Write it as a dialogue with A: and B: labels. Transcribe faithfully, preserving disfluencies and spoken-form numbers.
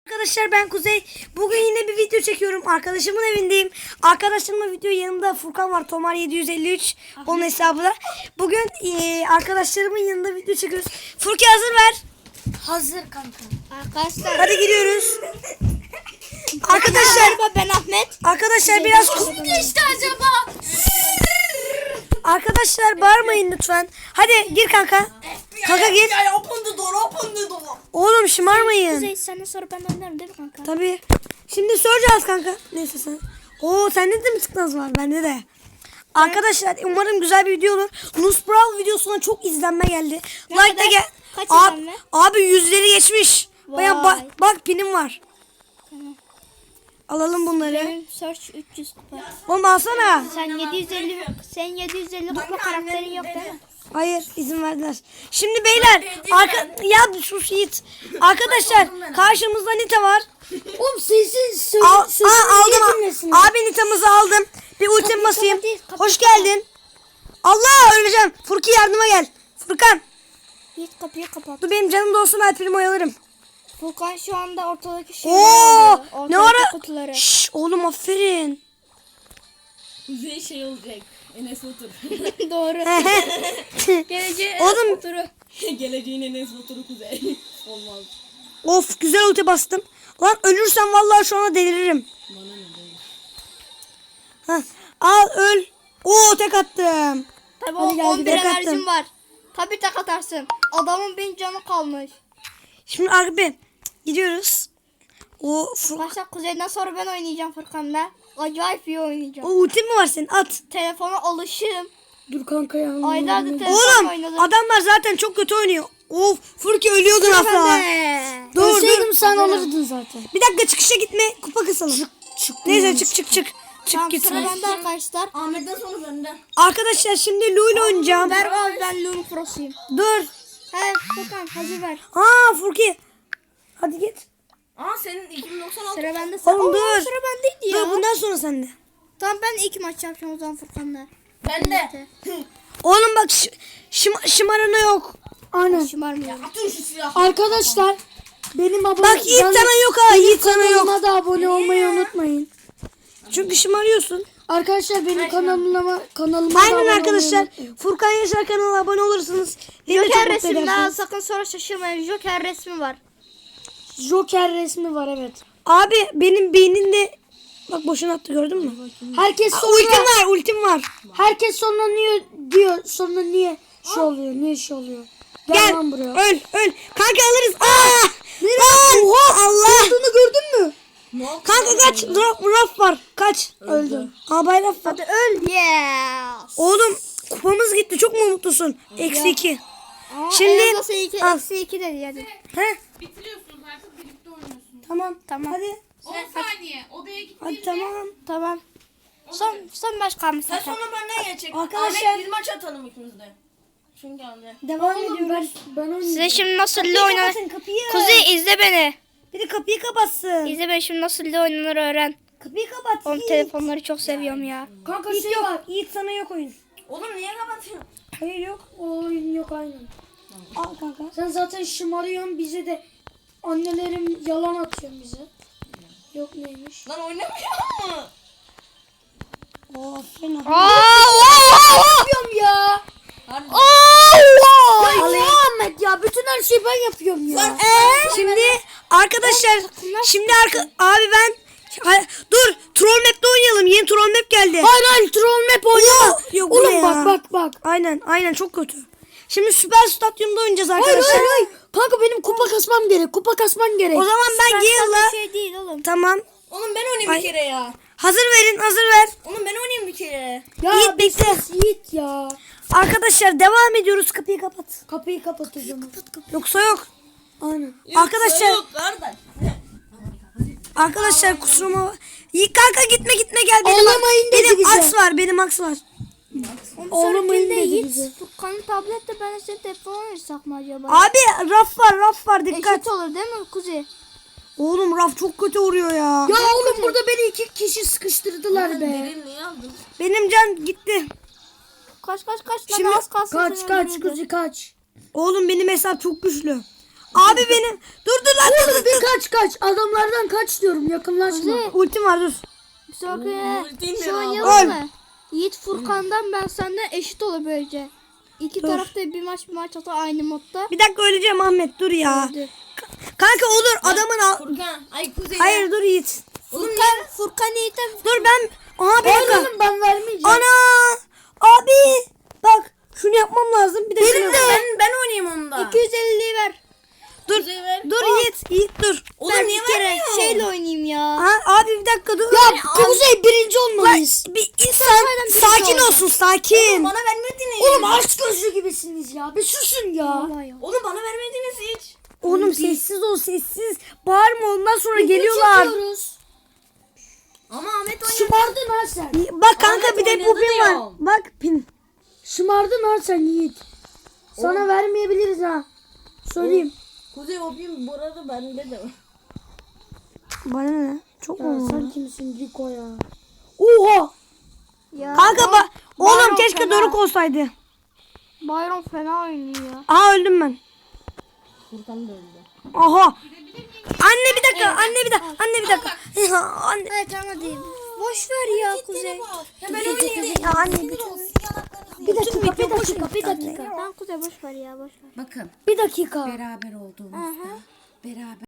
A: Arkadaşlar ben Kuzey. Bugün yine bir video çekiyorum. Arkadaşımın evindeyim. Arkadaşımla video yanımda Furkan var. Tomar yedi yüz elli üç. Onun hesabı da. Bugün e, arkadaşlarımın yanında video çekiyoruz. Furkan hazır ver.
B: Hazır kanka. Arkadaşlar.
A: Hadi giriyoruz. Arkadaşlar
B: ben Ahmet.
A: Arkadaşlar biraz
B: Kim geçti acaba?
A: Arkadaşlar bağırmayın lütfen. Hadi gir kanka. Kanka gir.
B: Open the door, open the door.
A: Oğlum şımarmayın.
B: Kuzey senden sonra ben oynarım değil mi kanka?
A: Tabii. Şimdi soracağız kanka. Neyse sen. Oo sende de mi tıknaz var? Bende de. Arkadaşlar umarım güzel bir video olur. Nus Brawl videosuna çok izlenme geldi.
B: Ne
A: Like da
B: kadar?
A: gel.
B: Kaç
A: Abi,
B: izlenme?
A: abi yüzleri geçmiş. Baya
B: Vay.
A: ba- bak pinim var.
B: Tamam.
A: Alalım bunları.
B: Benim search üç yüz kupa.
A: Oğlum alsana.
B: Sen yedi yüz elli sen yedi yüz elli kupa karakterin yok değil mi?
A: Hayır izin verdiler. Şimdi beyler arka ya bir sus Yiğit. Arkadaşlar karşımızda Nita var.
B: Oğlum sesin söyle.
A: Al, aa, aldım. Abi Nita'mızı aldım. Bir ultim
B: Kapıyı
A: basayım.
B: kapat, kapıyı
A: Hoş
B: kapat.
A: geldin. Allah öleceğim. Furki yardıma gel. Furkan.
B: Git kapıyı kapat.
A: Dur benim canım da olsun ben filmi oyalarım.
B: Furkan şu anda ortadaki şeyleri
A: Oo
B: alıyor.
A: ne
B: Ortadaki
A: ara?
B: kutuları.
A: Şşş oğlum aferin.
C: Kuzey şey olacak. Enes Batur.
B: Doğru. Geleceğe
A: Oğlum.
B: oturu.
C: Geleceğin Enes Batur'u Kuzey. Olmaz.
A: Of güzel ulti bastım. Lan ölürsem vallahi şu anda deliririm.
C: Bana ne değil.
A: Heh, al öl. Oo tek attım.
B: Tabii
A: Hadi
B: o
A: gel,
B: on bir
A: gidelim.
B: enerjim var. Tabii tek atarsın. Adamın bin canı kalmış.
A: Şimdi abi gidiyoruz. O Fur-
B: Başta Kuzey'den sonra ben oynayacağım Furkan'la. Acayip iyi
A: o
B: oynayacağım.
A: ultin mi var senin? At.
B: Telefona alışığım.
A: Dur kanka ya.
B: Aylardır telefonla
A: Oğlum
B: oynadım.
A: adamlar zaten çok kötü oynuyor. Of Furki ölüyordun asla. Dur dur.
B: sen alırdın zaten.
A: Bir dakika çıkışa gitme. Kupa kısalım. Çık çık. Neyse çık çık çık. Çık
B: Tamam
A: git.
B: sıra bende arkadaşlar.
C: Ahmet'ten sonra benden.
A: Arkadaşlar şimdi Lu ile oynayacağım.
B: Ver abi ben Lumi Pro'suyum.
A: Dur.
B: He Furkan hazır ver.
A: Aa Furki. Hadi git.
C: Aa senin iki bin doksan altı.
B: Sıra bende. Sıra,
A: Oğlum
B: Oo,
A: dur.
B: sıra bendeydi ya.
A: Dur bundan sonra sende.
B: Tamam ben ilk maç yapacağım o zaman Furkan'la.
C: Ben de.
A: Oğlum bak ş- şım- şımarana yok.
B: Aynen. Şımarmıyorum.
C: Atın şu silahı.
D: Arkadaşlar benim abone
A: Bak Yiğit
D: can-
A: sana yok ha. Yiğit sana yok.
D: kanalıma da abone olmayı unutmayın.
A: Çünkü şımarıyorsun.
D: Arkadaşlar benim kanalıma kanalıma da abone
A: Aynen
D: olmayı
A: arkadaşlar.
D: unutmayın.
A: Furkan Yaşar kanalına abone olursunuz. Beni de çok
B: Joker
A: mutlu
B: resmi daha
A: edersiniz.
B: sakın sonra şaşırmayın. Joker resmi var.
D: Joker resmi var evet.
A: Abi benim beynimde bak boşuna attı gördün mü?
D: Herkes
A: Aa,
D: sonra
A: ultim var ultim var.
D: herkes sonra niye diyor sonra niye şey oluyor niye şey oluyor. Gel,
A: Gel
D: lan buraya.
A: öl öl. Kanka alırız. Aa! Lan! Oha Allah.
D: Olduğunu gördün mü?
A: Kanka kaç. Drop raf var. Kaç.
D: Öldüm.
A: Aa bay raf var.
B: Hadi öl. Yes.
A: Oğlum kupamız gitti. Çok mu mutlusun? Eksi iki.
B: Aa,
A: Şimdi-
B: en azından iki,
A: Al.
B: eksi iki dedi hadi.
A: He?
C: Bitiriyorsunuz artık birlikte oynuyorsunuz.
A: Tamam.
B: Tamam.
A: Hadi.
C: on saniye. Odaya gittiğimde.
A: Hadi tamam.
B: Tamam. Son son maç kalmış
C: Sen
B: zaten.
C: sonra benden gelecek.
A: Arkadaşlar-
C: Ahmet bir maç atalım ikimiz de. Çünkü anne.
A: Devam
D: Oğlum ben
A: ediyoruz.
D: ben oynayacağım.
B: Size şimdi nasıl
A: Kapıyı
B: LoL oynanır.
A: kapatın kapıyı.
B: Kuzey izle beni.
A: Biri kapıyı kapatsın.
B: İzle beni şimdi nasıl LoL oynanır öğren.
A: Kapıyı kapat.
B: Oğlum
A: Yiğit.
B: telefonları çok seviyorum ya.
D: Kanka
A: Yiğit
D: şey
A: yok.
D: var.
A: Yiğit sana yok oyun.
C: Oğlum niye kapatıyorsun?
A: Hayır yok.
D: O oyun yok aynen.
A: Al kanka.
D: Sen zaten şımarıyorsun bize de annelerim yalan atıyor bize. Yok neymiş?
C: Lan oynamıyor mu?
A: Oo aferin. abi.
D: Yapıyorum ya.
C: Harbi.
D: Ya Ahmet ya bütün her şeyi ben yapıyorum ya.
A: Şimdi arkadaşlar şimdi arka abi ben Hay- dur troll map'te oynayalım. Yeni troll map geldi.
D: Hayır hayır troll map oynama.
A: Oo, yok bu ne
D: Oğlum
A: ya?
D: bak bak bak.
A: Aynen aynen çok kötü. Şimdi süper stadyumda oynayacağız
D: Hayır
A: arkadaşlar.
D: hayır hayır. Kanka benim kupa kasmam gerek. Kupa kasmam gerek.
A: O zaman ben
B: Bir
A: Gale'la
B: şey değil oğlum.
A: tamam.
C: Oğlum ben oynayayım
A: Ay.
C: bir kere ya.
A: Hazır verin hazır ver.
C: Oğlum ben oynayayım bir kere.
D: ya
A: Yiğit bekle.
D: Yiğit ya.
A: Arkadaşlar devam ediyoruz. Kapıyı kapat.
D: Kapıyı kapatacağım.
A: Yoksa yok.
D: Aynen.
A: Arkadaşlar
C: Yok kardeş.
A: arkadaşlar kusuruma İyi kanka gitme gitme gel benim.
D: Ağlamayın dedi
A: Benim
D: bize.
A: aks var. Benim aks var.
D: Oğlum
B: Sonrakinde
D: dedi
B: Yiğit
D: bize.
B: Furkan'ın tablette ben de senin telefonu oynarsak mı acaba?
A: Abi raf var raf var dikkat.
B: Eşit olur değil mi Kuzey?
A: Oğlum raf çok kötü vuruyor ya.
D: Ya oğlum burada beni iki kişi sıkıştırdılar be.
C: Derin niye aldın?
A: Benim can gitti.
B: Kaç kaç kaç lan
A: Şimdi-
B: az kalsın.
D: Kaç
B: seni
D: kaç
B: öldürürdü.
D: kuzi kaç.
A: Oğlum benim hesap çok güçlü. Abi benim. Dur dur lan dur dur.
D: Bir kaç kaç. Adamlardan kaç diyorum. Yakınlaşma.
A: Ultim var dur.
B: Bir sonraki
C: Ultim
B: şu
C: ya.
B: oynayalım
A: Öl.
B: mı? Yiğit Furkan'dan ben senden eşit olur böylece. İki
A: Dur.
B: tarafta bir maç bir maç atar aynı modda.
A: Bir dakika öleceğim Ahmet dur ya.
B: Hadi.
A: Kanka olur adamın al.
C: Furkan. Ay Kuzey.
A: Hayır dur Yiğit.
B: Furkan, Furkan Yiğit'e
A: Dur ben. Aha bir dakika.
D: Oğlum ben vermeyeceğim.
A: Ana. Abi. Bak şunu yapmam lazım. Bir de
C: Benim
A: şunu-
C: de. Ben, ben oynayayım onda.
B: iki yüz elliyi ver.
A: Dur.
C: Kuzey ver.
A: Dur Yiğit. Yiğit dur.
C: Oğlum
B: Ben
C: niye
B: bir kere
C: vermiyorsun?
B: şeyle oynayayım ya.
A: Ha, abi bir dakika dur.
D: Ya Kuzey birinci olmalıyız.
A: Bir insan
B: birinci
A: sakin
B: olacağım.
A: olsun sakin.
C: Bana vermediniz.
D: Oğlum aşk gözlü gibisiniz ya. Bir susun ya.
B: Vallahi ya.
C: Oğlum bana vermediniz hiç.
A: Oğlum sessiz ol sessiz. Bağırma ondan sonra geliyorlar.
D: Çekiyoruz.
C: Ama Ahmet oynadı.
D: Şımardın ha sen.
A: Bak kanka
C: Ahmet
A: bir de
C: oynadı
A: bu pin var.
C: diyorum.
A: Bak pin.
D: Şımardın ha sen Yiğit. Sana vermeyebiliriz ha. Söyleyeyim.
C: Kuzey o bin bu arada bende de var.
A: Bana ne? Çok
D: Ya
A: mu?
D: sen kimsin Rico ya? Oha.
B: Ya,
A: Kanka bak. Oğlum
B: Bayram
A: keşke
B: fena.
A: Doruk olsaydı.
B: Bayram fena oynuyor.
A: Aha öldüm ben.
C: Furkan da öldü.
A: Aha. Anne bir dakika. Anne bir dakika. Anne bir dakika. Ya anne.
B: Evet tamam hadi. Boş ver ya Kuzey.
C: Ya ben oynayayım.
A: Ya anne bir
D: Bir dakika, bir dakika, bir dakika.
B: Tamam Kuzey boş ver ya boş ver.
C: Bakın
D: Bir dakika.
C: beraber olduğumuzda beraber